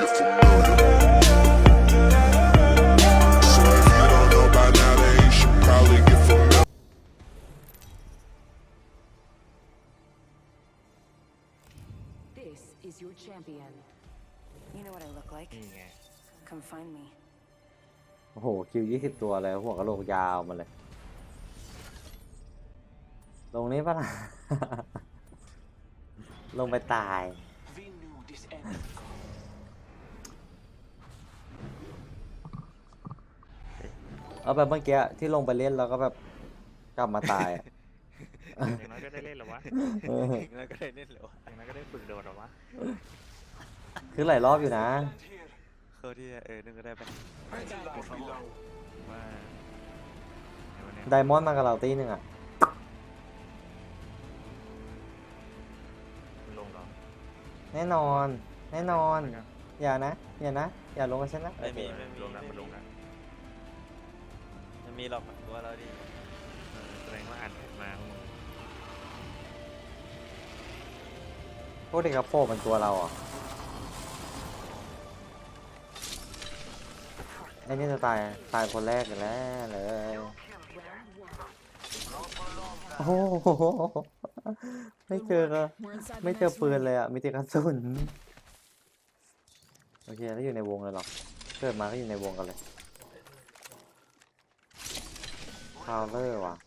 get familiar. So if you don't know by now, then you should probably get familiar. This is your champion. You know what I look like? นี่ไง Come find me. โอ้โหคิว20 ตัวเลยหัวกะโหลกยาวมาเลย ลงนี้ปะล่ะ ลงไปตาย We knew this end. เอาแบบเมื่อกี้ที่ลงไปเล่นแล้วก็แบบกลับมาตายอะอย่างน้อยก็ได้เล่นเหรอวะเออถึงแล้วก็ได้เล่นเหรอวะอย่างน้อยก็ได้ฝึกโดดเหรอวะคือหลายรอบอยู่นะ Here. เขาที่นึงก็ได้ไป Ready life below. ว่าเดี๋ยววันนี้ไดมอนด์มากับเราตีหนึ่งอ่ะลงเหรอแน่นอน แน่นอน อย่านะ อย่านะ อย่าลงกับฉันนะไม่มีลงนะมันลงนะไม่มีหรอกตัวเราดิแสดงว่าอ่านมาพวกมึงพวกเด็กกระโปรงเป็นตัวเราอ่ะไอ้นี่จะตายคนแรกอยู่แล้วเลย โอ้โหไม่เจอก็ We're inside ไม่ the เจอ next ปืน ring. เลยอ่ะ มีแต่กระสุน โอเคแล้วอยู่ในวงเลยหรอ เกิดมาก็อยู่ในวงกันเลยพาวเลอร์ว่ะ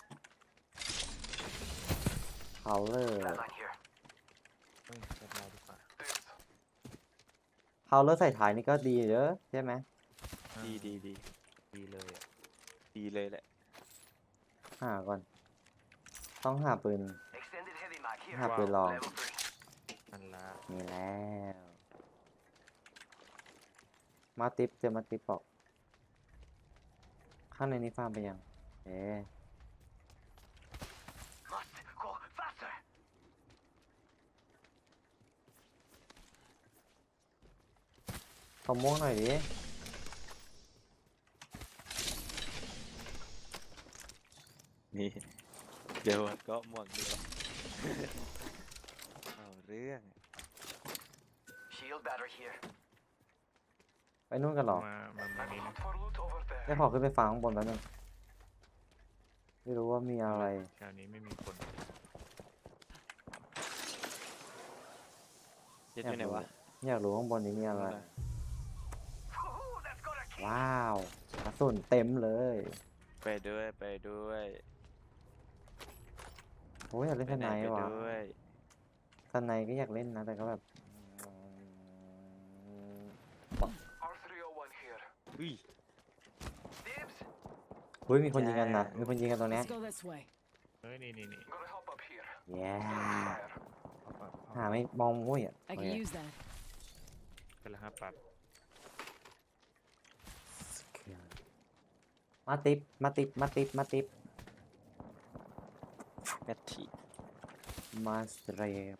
พาวเลอร์เฮ้ยเช็คเราดีกว่าพาวเลอร์ใส่ถ่ายนี่ก็ดีเด้อใช่ไหมดีดีเลยอ่ะดีเลยแหละหาก่อน ต้องหาปืน Extended heavy mag here. หาปืนลอง Level 3. นั่นละมีแล้ว มาติปเจอมาติปบอกข้างในนี้ฟาร์มไปยัง เอ๊ะ Must go faster. ขอม่วงหน่อยดินี่เดี๋ยวก็ม่วงเดียวเอาเรื่อง Shield battery here. ไปนู่นกันเหรอมานี้นะ For loot over ได้ there. ขอขึ้นไปฟังข้างบนแป๊บนึงไม่รู้ว่ามีอะไรแถวนี้ไม่มีคนเจ็ดอยู่ไหนวะอยากรู้ข้างบนนี้มีอะไร Ooh, that's gonna kill. ว้าวกระสุนเต็มเลยไปด้วยไปด้วยโอ้ยอยากเล่นไปสไหนไนไปด์ว่ะด้วยสไนด์ก็อยากเล่นนะ แต่ก็แบบ R301 here. อุ้ย Dibs. เฮ้ยมีคนยิงกันนะ มีคนยิงกันตรงเนี้ย Let's go this way. เฮ้ยนี่ Gonna hop up here. แย่ Fire. หาไม่มองมุ้ยอ่ะ I โอ can เค use that. เป็นละ5 ปรับมาติปมาติปมาติปมาติปแมททีมาสเตรป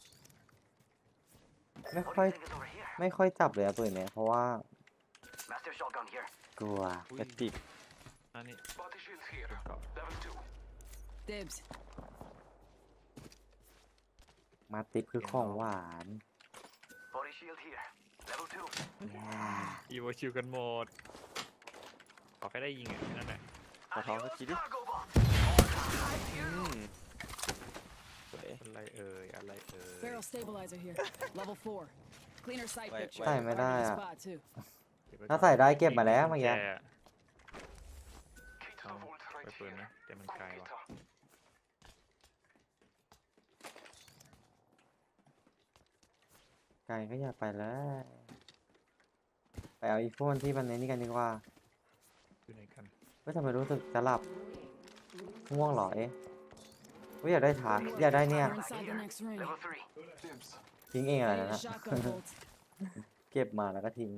ไม่ What ค่อย do you think is over here? ไม่ค่อยจับเลยอะปืนเนี้ยเพราะว่า Master shotgun here. กลัวแมททีอันนี้ Body shields here. Level 2. Dibs. มาติปคือของหวาน Body shield here. Level 2. แย่อีโวชิวกันหมดขอแค่ได้ยิงอ่ะแค่นั่นแหละขอท้องสักทีดิ Cargo box. สวยอะไรเอ่ยอะไรเอ่ย Barrel stabilizer here. Level 4. Cleaner sight Wait, picture. ใส่ไม่ได้ Target อ่ะ spot too. ถ้าใส่ได้เก็บมาแล้วเมื่อกี้ Key to the Oh, vault right ไปปืน here. นะแต่มันไกลว่ะ Guitar. ไกลก็อยากไปแล้วไปเอาอีโฟนที่มันในนี้กันดีกว่าอยู่ไหนกันเฮ้ยทำไมรู้สึกจะหลับง่วงเหรอเอ๊ะเฮ้ยอยากได้ถาอยากได้เนี่ย We're inside the next ring. Level 3. Dibs. ทิ้งเอง I อะไร need นั่น a นะ shotgun bolt. เก็บมาแล้วก็ทิ้ง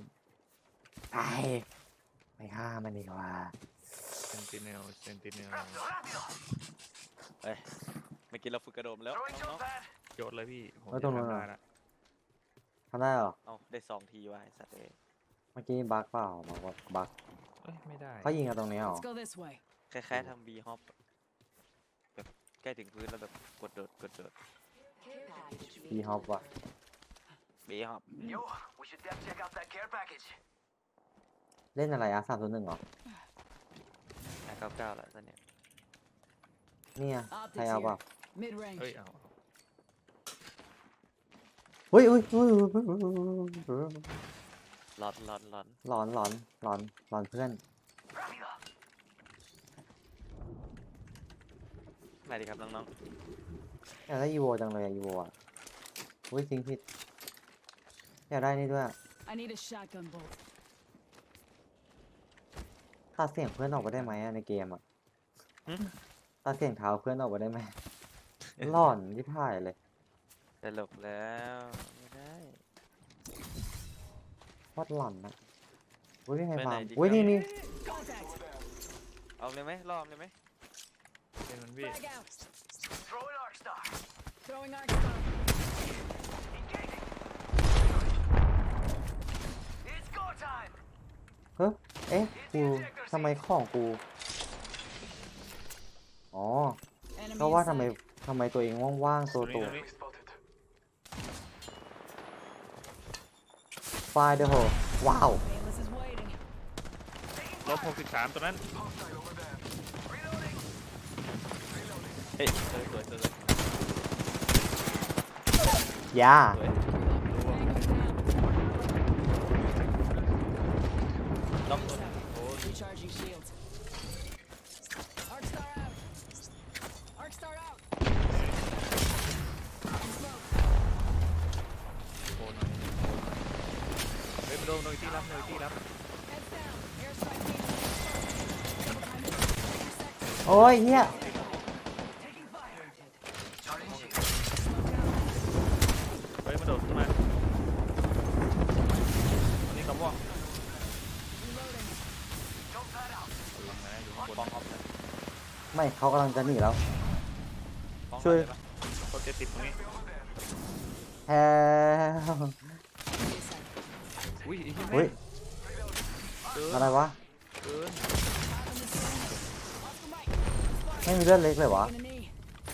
ไปฆ่ามันดีกว่าเซนติเนล Raptor, Raptor. เอ้ยเมื่อกี้เราฝึกกระโดดมาแล้ว Throwing น้อง jump pad. โยนเลยพี่ผมแล้วตรงนู้นจะอะทำได้ละทำได้เหรอๆเอาได้2 ทีว่ะไอ้สัตว์เอ้ยเมื่อกี้บั๊กเปล่าบอกว่าบั๊กเอ้ยไม่ได้เขายิงกันตรงนี้เหรอ Let's go this way. คล้ายๆทำบีฮอปแบบใกล้ถึงพื้นแล้วแบบกดโดดพีฮอปว่ะเบฮอบ Yo, we should def check out that care package. เล่นอะไรอะ301เหรอ 99แล้วตอนเนี้ยเนี่ยใครเอาเปล่า Mid range. เฮ้ยเอาเฮ้ยเฮ้ยร้อนหลอนหลอนเพื่อน Rápido. ไหนดีครับน้องอยากได้อีโวจังเลยอะอีโวอะอุ้ยจริงผิดอยากได้นี่ด้วย I need a shotgun bolt. ตัดเสียงเพื่อนออกไปได้ไหมอะในเกมอะตัดเสียงเท้าเพื่อนออกไปได้ไหมหลอนที่พ่ายเลยๆจะหลบแล้วไม่ได้โคตรหลอนนะอุ้ยพี่ไฮไปไหนฟาร์มดีอุ้ยครับนี่ Contact. เอาเลยไหมรอบเลยไหมเป็นมันพี่ Frag out. Throwing arc star. Throwing arc star. Engaging. It's go time. เฮ้ยเอ๊ะกูทำไมของกูอ๋อ Enemy ก็ว่าทำ inside. ไมตัวเองว่างๆตัวตรงนี้ไฟเดอร์โหว้าว Painless is waiting. ลบ63ตัวนั้น Reloading. เฮ้ยสวยยาสวย Tango's down. ล็อกตัว Recharging shields. Arc star out. Arc star out. Smoke. โอ้หน่อยเฮ้ยมันโดนที่รับที่รับ Heads down. Airstrike team. Double time it. Intersect. โอ้ยเฮีย Taking fire. Charging shield. Smoke out. เฮ้ยมันโดดขึ้นมาอันนี้คำว่า Reloading. Jump pad out. หลังนะอยู่ข้างบป้องนออฟนะไม่เขากำลังจะหนีแล้วป้องช่วยได้ปะเขาจะติดตรงนี้แฮอุ้ยไอ้เหี้ยเฮ้ยเกินอะไรวะเกิน Oscar Mike. ไม่มีเลือดเล็กเลยวะ Taking a knee.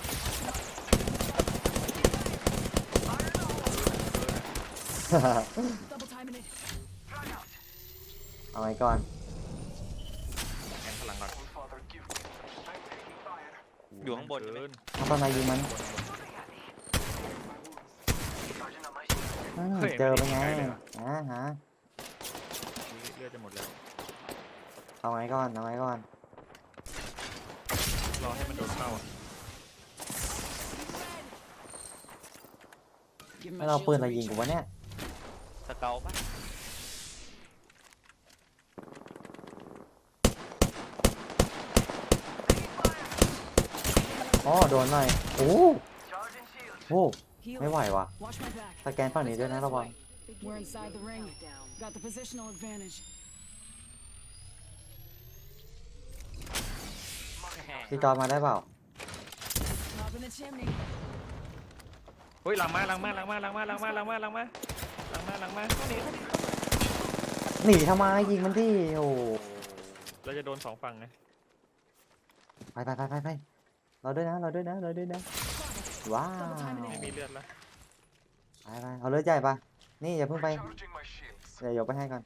Double timing it. Frag out. เอาไว้ก่อนแทงพลังก่อน Father, give me. I'm taking fire. อยู่ข้างบนใช่ไหมเกินเอาตอนไหนยิงมัน Charging on my shield. เจอเป็นไงฮะเลือดจะหมดแล้วเอาไว้ก่อนเอาไว้ก่อนรอให้มันโดนเข้าอ่ะ Give him ไม่ my เรา shields ปืนอะไรยิง reach. กูวะเนี่ยสเกลปะอ๋อโดนหน่อยโอ้ Charging shield. โห Heal. ไม่ไหววะ Watch my back. สแกนฝั่งนี้ด้วยนะระวัง We're inside the ring. Got the positional advantage. พี่จอยมาได้เปล่า Top in the chimney. เฮ้ยหลังมาต้องหนีหนีทำไมยิงมันดิโอ้เราจะโดนสองฝั่งไงไปเราด้วยนะว้าวไม่มีเลือดแล้วไปเอาเลือดใหญ่ปะนี่อย่าเพิ่งไป Charging my shields. เดี๋ยวยกไปให้ก่อน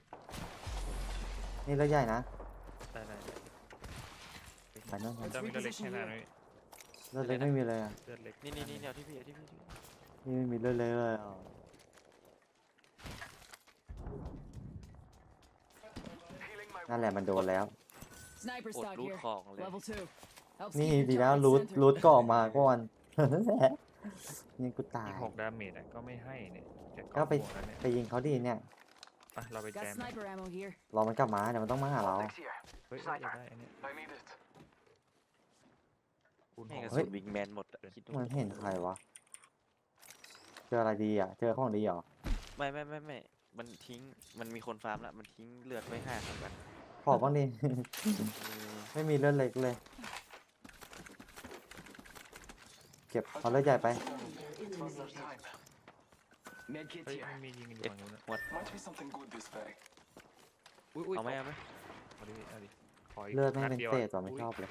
นี่เลือดใหญ่นะได้ไปนู่นมันจะมีเลือดเล็กแค่ไหนเลือดเล็กไม่มีเลยอ่ะเลือดเล็กนี่เอาที่พี่นี่ไม่มีเลือดเล็กเลยอ่ะ Healing my นั่นแหละมันโดนแล้ว Sniper อด stock รูด here. ของเลย Level 2. Helps นี่ keep your ดีแล้ว target รูท centered. รูทก่อมาก่อน นี่กูตายอีก6 ดาเมจอ่ะก็ไม่ให้เนี่ยจะก็ไปบวกแล้วเนี่ยไปยิงเขาดีเนี่ยไปเราไปแจ Got ม sniper ammo here. รอมันกลับมาเดี๋ยวมันต้องมาหาเรา Optics here. เฮ้ยอยากได้อันนี้ I need it. คูณให้ 6 กระเฮ้สุยนวิงแมนหมดอะคิดดูมันเห็นใครวะ เจออะไรดีอ่ะ เจอของดีเหรอไม่ มันทิ้งมันมีคนฟาร์มละมันทิ้งเลือดไว้5ครับกันขอบ้างดิ ไม่มีเลือดเล็กเลย เก็บเอาเลือดใหญ่ไป Father time. Medkit เฮ้ย here. มันมียิงอยู่เก็บฝั่งนู้นนะหมด Might be something good this way. อุ้ยเอาไหมเอาดิขออีกเลือดไม่นัเป็นดียวเศอะษตัวไม่ชอบเลย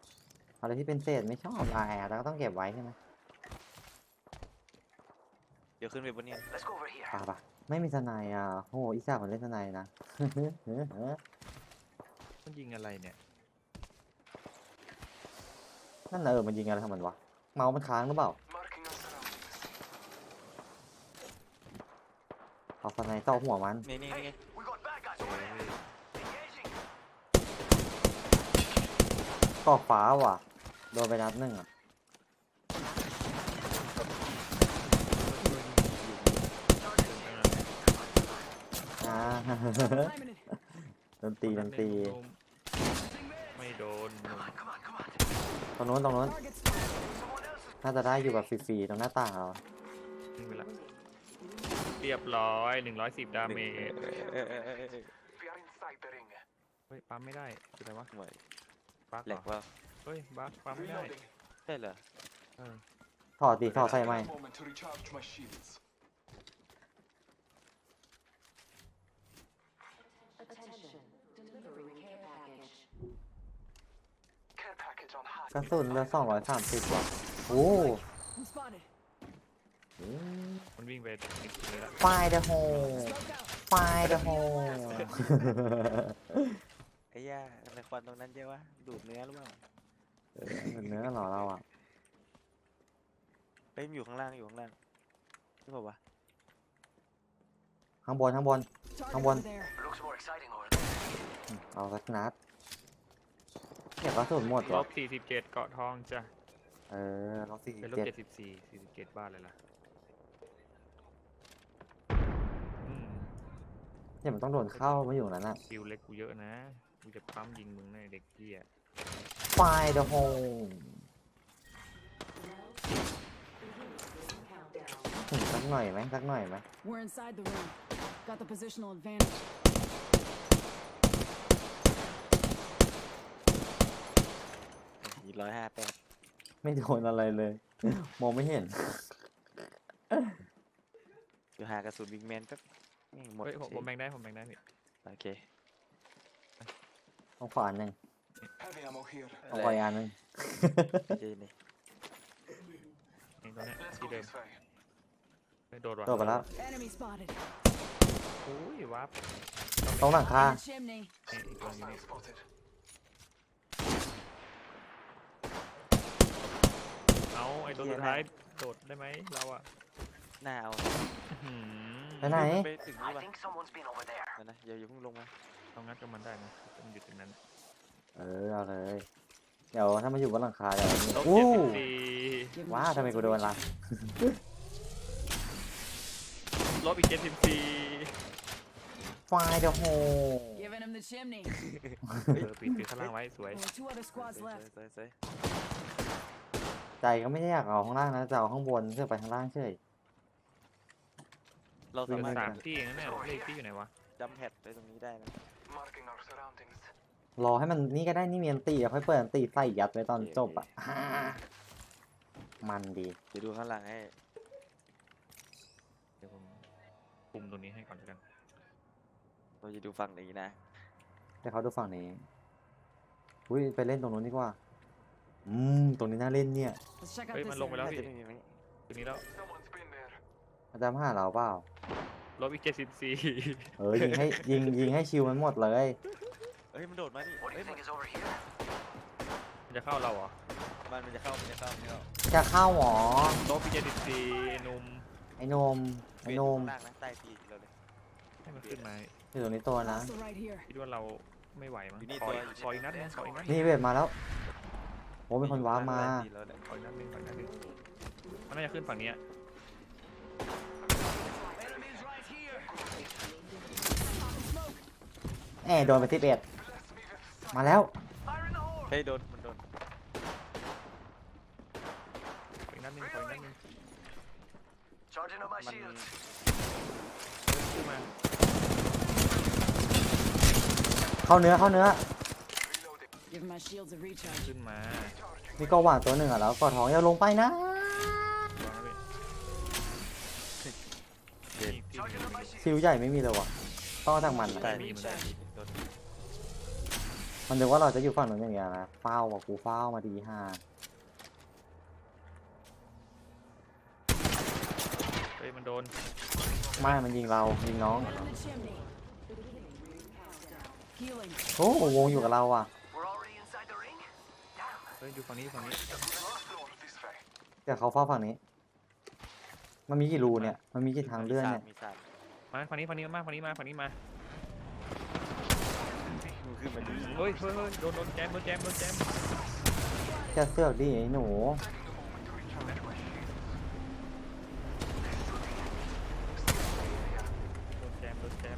อะไรที่เป็นเศษไม่ชอบอะไรอ่ะแต่ก็ต้องเก็บไว้ใช่ไหมเดี๋ยวขึ้นไปบนเนี้ย Let's go over here. ป่ะไม่มีทนายอ่ะโอ้โหอีสานมันเล่นทนายนะมันยิงอะไรเนี่ยนั่นน่ะมันยิงอะไรทำมันวะเมาส์มันค้างหรือเปล่า Marking our surroundings. เอาทนายเจ้าหัวมันนี่ Hey, we got bad guys over there. Engaging. ก่อฟ้าว่ะโดนไปนัดหนึ่งอ่ะอ่า ดนตรีไม่โดน Come on, come on, come on. ตรงนู้น Someone else is น่าจะได้อยู่แบบฟรีๆตรงหน้าต่างเรายิงไปละเรียบร้อย110 ดาเมจเออ We are inside the ring. เฮ้ยปั๊มไม่ได้คืออะไรวะไหวบั๊กแหลกเหรอว่าเฮ้ยบั๊กปั๊มไม่ได้ใช่เหรอเออถอดดิถอดใส่ไหม Moment to recharge my shields. Attention. Delivering care package. Care package on high. กระสุนเหลือ230ว่ะโอ้ I'm spotted. มันวิ่งไปอีกทีเลยละไฟเดอะโฮ Smoked out. ไฟเดอะโฮไอ้ย่าทำไมควันตรงนั้นเยอะวะดูดเนื้อหรือเปล่าเนื้อเหรอเราอ่ะเฮ้ยมันอยู่ข้างล่างใช่ป่าวะข้างบน Target Someone. over there. Looks more exciting over there. เอาสักนัดเก็บกระสุนหมดลเหรอบ 47เกาะทองจ้ะลบเป็นลบ 47 47บ้านเลยล่ะอืมเนี่ยมันต้องโดนเข้ามาอยู่นั้นอ่ะคิวเล็กกูเยอะนะกูจะปั๊มยิงมึงในะไอ้เด็กเหี้ยไฟเดอะโฮ สักหน่อยไหม We're inside the ring. Got the positional advantage. อีก158 ไม่โดนอะไรเลย มองไม่เห็นเดี๋ยวหากระสุนบิ๊กแมนแป๊บแม่งหมดเฮ้ยผมเฉยแบ่งได้พี่โอเคต้องขวาอันหนึ่ง Heavy ammo here. ต้องขวาอีกอันหนึ่งเจนี่เองตัวเนี้ย Let's ที่ go เดิม this way. ไม่โดดว่ะโดนไปแล้ว Enemy spotted. โอ้ยวับตรงหลังคา In the chimney. นี่อีกตัวอยู่นี่ Hostile spotted. เอาไอ้ตัวสุดท้ายโดดได้ไหมเราอะหน้าเอาอื้อหือไปไหนไปถึงนี่ I ปะ think someone's been over there. เดี๋ยวนะอย่าเพิ่งลงมาต้องงัดกับมันได้นะต้องอยู่ตรงนั้นเอาเลย เดี๋ยวถ้ามาอยู่บนหลังคาเดี๋ยวนี่ลบอู้ 74 Give 'em ว้า a ทำไม shield กูโดนล่ะลบอีก74 ไฟเดอะโฮ Giving him the chimney. ปิดข้างล่างไว้สวย Only 2 other squads สวย left. สวยใจก็ไม่ได้อยากเอาข้างล่างนะจะเอาข้างบนเพื่อไปข้างล่างเฉยเราเหลืสาอมารถสามที่เองนะเนี่ยเลขที่อยู่ไหนวะจัมแพดไปตรงนี้ได้นะ Marking our surroundings. รอให้มันนี่ก็ได้นี่มีอันตีเดี๋ยวค่อยเปิดอันตีใส่ยัดไว้ตอนจบอ่ะมันดีเดี๋ยวดูข้างหลังให้เดี๋ยวผมคุมตรงนี้ให้ก่อนแล้วกันเราจะดูฝั่งนี้นะให้เขาดูฝั่งนี้อุ้ยไปเล่นตรงนู้นดีกว่าตรงนี้น่าเล่นเนี่ย Let's check out เฮ้ย this มันลงไปแล้ว area. พี่น่าจะไม่มีไหมตรงนี้แล้ว Someone's been there. อาจารย์มาหาเราเปล่าลบอีก74 ยิงให้ยิงให้ชิวมันหมดเลยเฮ้ยมันโดดมานี่ What do เฮ้ย you think is over here? มันจะเข้าเราเหรอมันจะเข้าจะเข้าหรอลบอีก74ไอ้หนุ่มไอ้นมเวทนอยู่มข้างล่างนะใต้ตีนเราเลยให้มันขึ้นมาอยู่ตรงนี้ตัวนะ Also right here. คิดว่าเราไม่ไหวมั้งอยู่นี่ขอตัวอีกขออีกนัดนึงขออีกนัดนึงนี่เวทมาแล้วโอ้เป็นคนว้าร์ปมาใต้ตีนเราเลยขออีกนัดนึงขออีกนัดนึงมันน่าจะขึ้นฝั่งนี้อะ Enemies right here. โดนไป11มาแล้ว Fire in the hole. เฮ้ยโดนมันโดนขออีกนัดนึงขออีกนัดนึง Charging up my มัน shields. ขึ้นมาเข้าเนื้อ Reloading. Giving my shields a recharge. ขึ้นมามีก็หวานตัวหนึ่งอ่ะแล้วกอดท้องอย่าลงไปนะวางไว้พี่ที่ Charging up my shields. ชิวใหญ่ไม่มีเลยวะต้องเอาจากมันใต้อะตีนใต้ตีนโดนมันนึกว่าเราจะอยู่ฝั่งนู้นอย่างเงี้ยนะเฝ้าว่ะกูเฝ้ามาดีห่าเฮ้ยมันโดนไม่มันยิงเรายิงน้อง In the chimney. Healing. โอ้วงอยู่กับเราอ่ะ We're already inside the ring? Damn. เฮ้ยอยู่ฝั่งนี้ฝั่งนี้ Last floor this way. แต่เขาเฝ้าฝั่งนี้ มันมีกี่รูเนี่ย มันมีกี่ทางเลื่อนเนี่ยมีสามมาฝั่งนี้มาฝั่งนี้มาฝั่งนี้มามึงขึ้นมาดิเฮ้ยโดนแจมจะเสือกดิไอ้หนูโดนแจม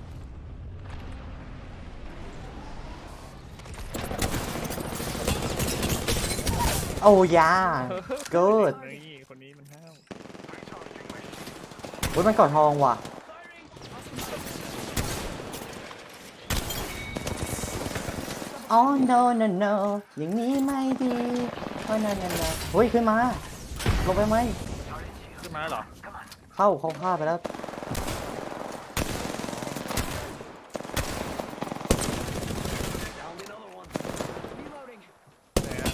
โอ้ยาเกิดนี่คนนี้มันห้าวเฮ้ยมันกอดทองว่ะอ๋อ no no no อย่างนี้ไม่ดีอ๋อ no no no เฮ้ยขึ้นมาลงไปไหมขึ้นมาแล้วเหรอเข้าฆ่าไปแล้ว Reloading. ไหนอะ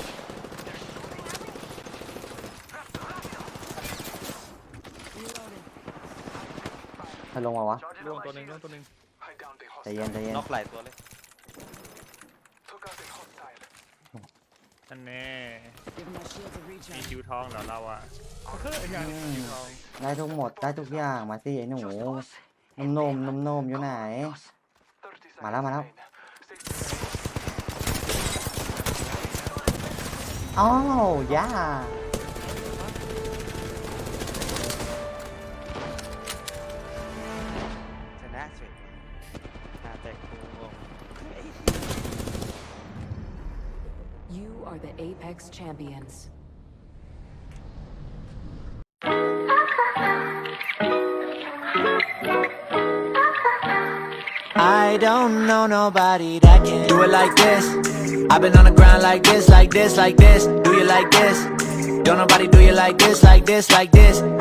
Reloading. ใครลงมาวะ Charging ล่วง on ตัว my หนึ่ง shield. ตัวหนึ่ง I downed the ใจเย็น hostile. ใจเย็นน็อกหลายตัวเลย Took out the hostile. นั่นแน่ Give my shield a มี recharge. คิวทองเหรอเราอ่ะอย่างนี้คิวทองได้ทุกหมดได้ทุกอย่างมาสิไอ้หนู Just us. นมอยู่ไหน Us. 30 มาแล้ว seconds มาแล้ว remain. Stay อ้าวยาชนะเฉยหน้าแตกกูงง You are the Apex champions. I don't know nobody that can do it like this. I've been on the grind like this, like this, like this. Do you like this? Don't nobody do you like this, like this, like this.